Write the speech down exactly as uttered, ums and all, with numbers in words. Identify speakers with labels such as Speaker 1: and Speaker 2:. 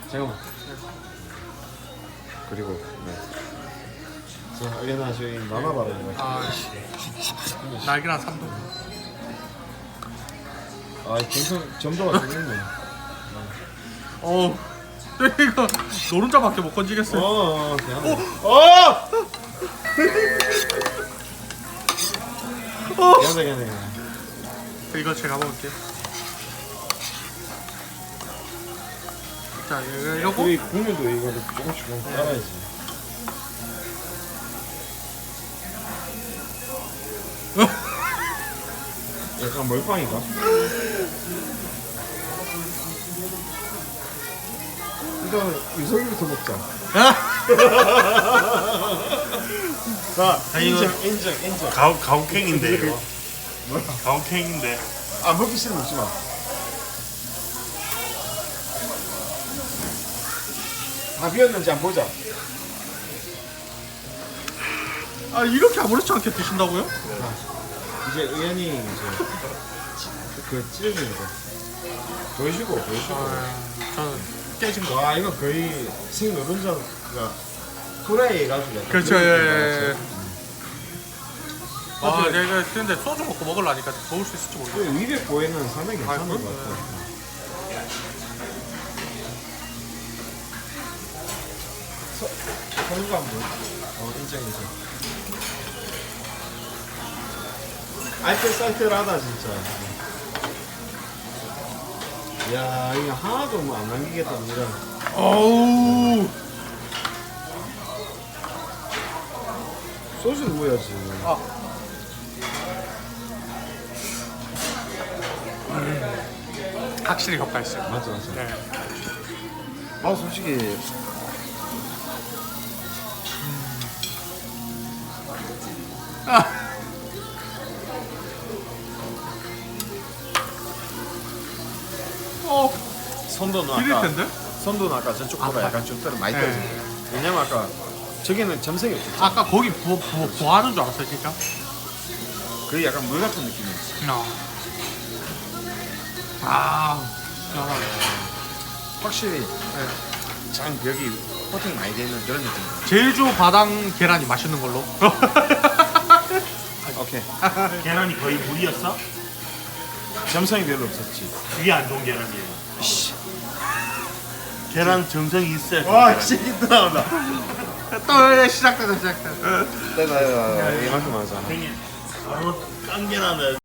Speaker 1: 잠깐만. 그리고 네. 자, 알레나 저희 나눠 바르는 거.
Speaker 2: 아, 날개랑 삼도.
Speaker 1: 아, 정성 점도가 좋네.
Speaker 2: 어우, 이거 노른자밖에 못 건지겠어요.
Speaker 1: 어, 어, 어, 어. 괜찮아, 괜찮아.
Speaker 2: 이거 제가 먹을게요. 자, 이거 이러고.
Speaker 1: 우리 국물도 이거를 조금씩 조금씩 따라야지. 약간 몰빵인가? 일단 유석이부터 먹자. 자,
Speaker 3: 아, 이거-
Speaker 1: 인정, 인정, 인정.
Speaker 3: 가우 가우캥인데 이거.
Speaker 1: 뭐야?
Speaker 3: 가우캥인데.
Speaker 1: 아, 먹기 싫으면 먹지 마. 다 비었는지 한번 보자.
Speaker 2: 아, 이렇게 아무렇지 않게 드신다고요?
Speaker 1: 이제 의원이 이제 그 찢어주는 거 보여주고 보여주고.
Speaker 2: 아, 저는 깨진 거.
Speaker 1: 와, 이거 거의 생 노른자가 후라이 해가지고 약간
Speaker 2: 그렇죠,
Speaker 1: 그런
Speaker 2: 예,
Speaker 1: 느낌
Speaker 2: 예,
Speaker 1: 나왔어요.
Speaker 2: 아,
Speaker 1: 사실-
Speaker 2: 내가 근데 소주 먹고 먹으려니까 먹을 수 있을지 모르겠어.
Speaker 1: 그 위백 보에는 상당히 괜찮은
Speaker 2: 그럼?
Speaker 1: 것 같아. 선우가 한번 어, 인정 인정. 알뜰살뜰하다 진짜. 야, 이거 하나도 뭐 안 남기겠다 이런.
Speaker 2: 어우,
Speaker 1: 소주 부어야지.
Speaker 2: 아, 확실히 효과 있어요.
Speaker 1: 맞아 맞아.
Speaker 2: 네.
Speaker 1: 아, 솔직히
Speaker 2: 아, 어,
Speaker 1: 선도는
Speaker 2: 비릴
Speaker 1: 아까
Speaker 2: 텐데?
Speaker 1: 선도는 아까 저쪽보다
Speaker 2: 아,
Speaker 1: 약간 좀 떨어 많이
Speaker 2: 네.
Speaker 1: 떨어져. 왜냐면 아까 저기는 점성이 없었죠.
Speaker 2: 아까 거기 부, 부, 부하는 줄 알았어요, 진짜.
Speaker 1: 그게 약간 물 같은 느낌이었어.
Speaker 2: 어. 아, 시원하네.
Speaker 1: 확실히
Speaker 2: 네.
Speaker 1: 장 벽이 코팅 많이 되는 그런 느낌.
Speaker 2: 제주 바당 계란이 맛있는 걸로.
Speaker 1: 오케이.
Speaker 3: 계란이 거의 물이었어?
Speaker 1: 점성이 별로 없었지.
Speaker 3: 그게 안 좋은 계란이에요. 계란 정성이 있어야 좋은
Speaker 1: 와,
Speaker 3: 계란이에요.
Speaker 1: 시기 나온다.
Speaker 2: 또 시작되다, 시작되다.
Speaker 1: 내가 이만큼 하자.
Speaker 3: 형님, 바로 깐 계란을